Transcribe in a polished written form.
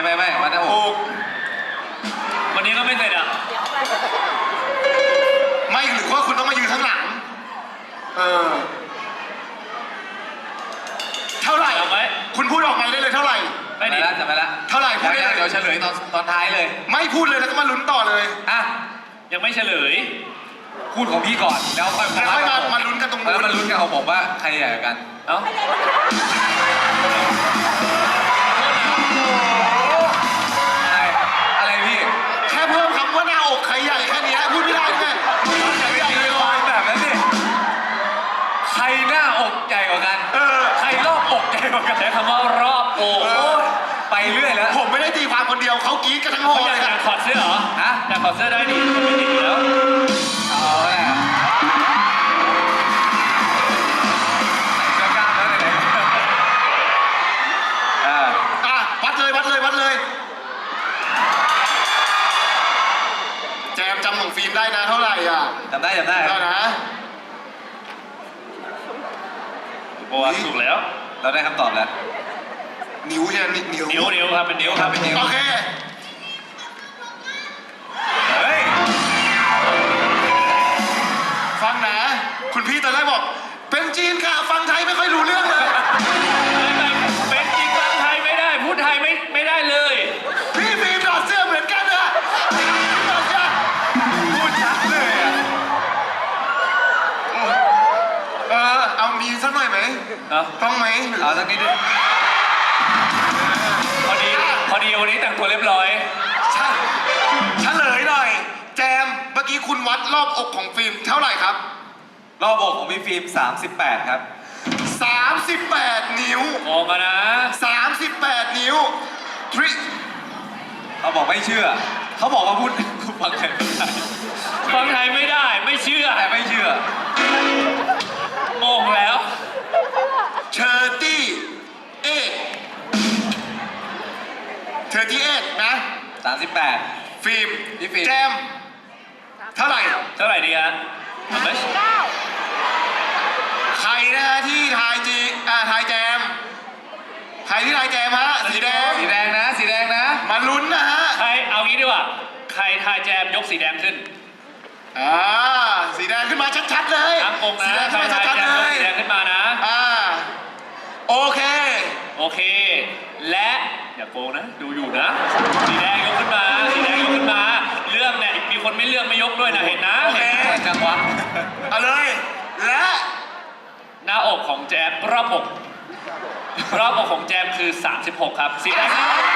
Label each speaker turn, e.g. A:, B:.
A: ไม่วัดหน้าอก
B: วันนี้ก็ไม่เสร็จอ่ะ
C: ไม่หรือว่าคุณต้องมายืนข้างหลังเท่าไหร่
B: เอาไหม
C: คุณพูดออกมาได้เลยเท่าไหร่
B: ไม่ดิ
A: จำไปแล้ว
C: เท่าไหร่พูดได้เลย
A: เดี๋ยวเฉลยตอนท้ายเลย
C: ไม่พูดเลยแล้วก็มาลุ้นต่อเลย
A: อ่ะ
B: ยังไม่เฉลย
A: พูดของพี่ก่อนแล้วค่อย
C: แล้วค่อยมาลุ้นกันตรงนู้น
A: แล้วมาลุ้นกันของผมว่าใครใหญ่กว่ากัน
B: เอ้า
A: อะไรพี่
C: แค่เพิ่มคำว่าหน้าอกใครใหญ่แค่นี้พูดไม่ได้แค่ใหญ่เลย
A: แบบนั้นสิใครหน้าอกใหญ่กว่ากันใครรอบอกใหญ่กว่ากัน
B: ใช้คำว่ารอบอก
A: ไปเรื่อยแล้ว
C: ผมไม่ได้ตีความคนเดียวเขากรี๊ดกันทั้งหอ
B: อยา
C: เล
B: ก
C: ย
B: อยากถอดเสื้อเหรอ
A: ฮะ
B: อยากถอดเสื้อได้ดิมันไม่ติดอยู่แล้ว
A: เอาแหละใส่เสื้อกล้ามแล้วไหน
C: วัดเลยแจมจำของฟิล์มได้นะเท่าไหร่อ่ะ
A: จำได้
C: ได้นะ
B: โอ้ถูกแล้ว
A: เราได้คำตอบแล้ว
C: นิ้วใช่ไหมนิ้ว
B: นิ้วครับเป็นนิ้วครับเป็นนิ้ว
C: โอเค
A: เฮ้ย
C: ฟังนะ คุณพี่ตอนแรกบอก เป็นจีนค่ะฟังไทยไม่ค่อยรู้เรื่องเลย
B: เป็นจริงฟังไทยไม่ได้พูดไทยไม่ได้เลย
C: พี่ฟิล์มถอดเสื้อเหมือนกันอะถอดเสื้อ
A: พูดชัดเลยอ่ะ
C: เอามีสักหน่อยไหม
B: เนาะ
C: ต้องไหม
A: เอาสักนิดนึง
B: พอดีวันนี้แต่งตัวเรียบร้อย
C: ใช่เฉลยหน่อย แจมเมื่อกี้คุณวัดรอบอกของฟิล์มเท่าไหร่ครับ
A: รอบอกของพี่ฟิล์ม38ครับ
C: 38 นิ้ว
B: ออกมานะ
C: 38 นิ้วทริ
A: เขาบอกไม่เชื่อ เขาบอกว่าพูดฟังไทยไม่ได้
B: ฟังไทยไม่ได้ไม่เชื่อ
A: แต่ไม่เชื่อง
B: งแล้ว
C: 38 นะ
A: 38
C: ฟิล์ม
A: พี่ฟิล์ม
C: แจม เท่าไหร่
B: เท่าไหร่ดีฮะเอาไหม
C: ใครนะฮะที่ทายทายแจม ใครที่ทายแจมฮะ สีแดง
A: สีแดงนะ
C: มาลุ้นนะฮะ
B: ใครเอางี้ดีกว่าใครทายแจมยกสีแดงขึ้น
C: สีแดงขึ้นมาชัดๆเลย
B: ทั้งองค์นะ
C: สีแดง
B: ใค
C: ขึ้
B: ร
C: นมา
B: ทาย
C: ชัด
B: แจ
C: ๆ
B: ม
C: เลย ย
B: กสีแดงขึ้นมานะ
C: โอเค
B: โอเค และอย่าโกงนะ ดูอยู่นะ สีแดงยกขึ้นมา สีแดงยกขึ้นมา เลือกเนี่ยมีคนไม่เลือกไม่ยกด้วยนะเห็นนะ
C: โอเค
B: เห็น
A: จังหวะ
C: เอาเลย และ
B: หน้าอกของแจมรอบอกของแจมคือ 36 ครับ สีแดง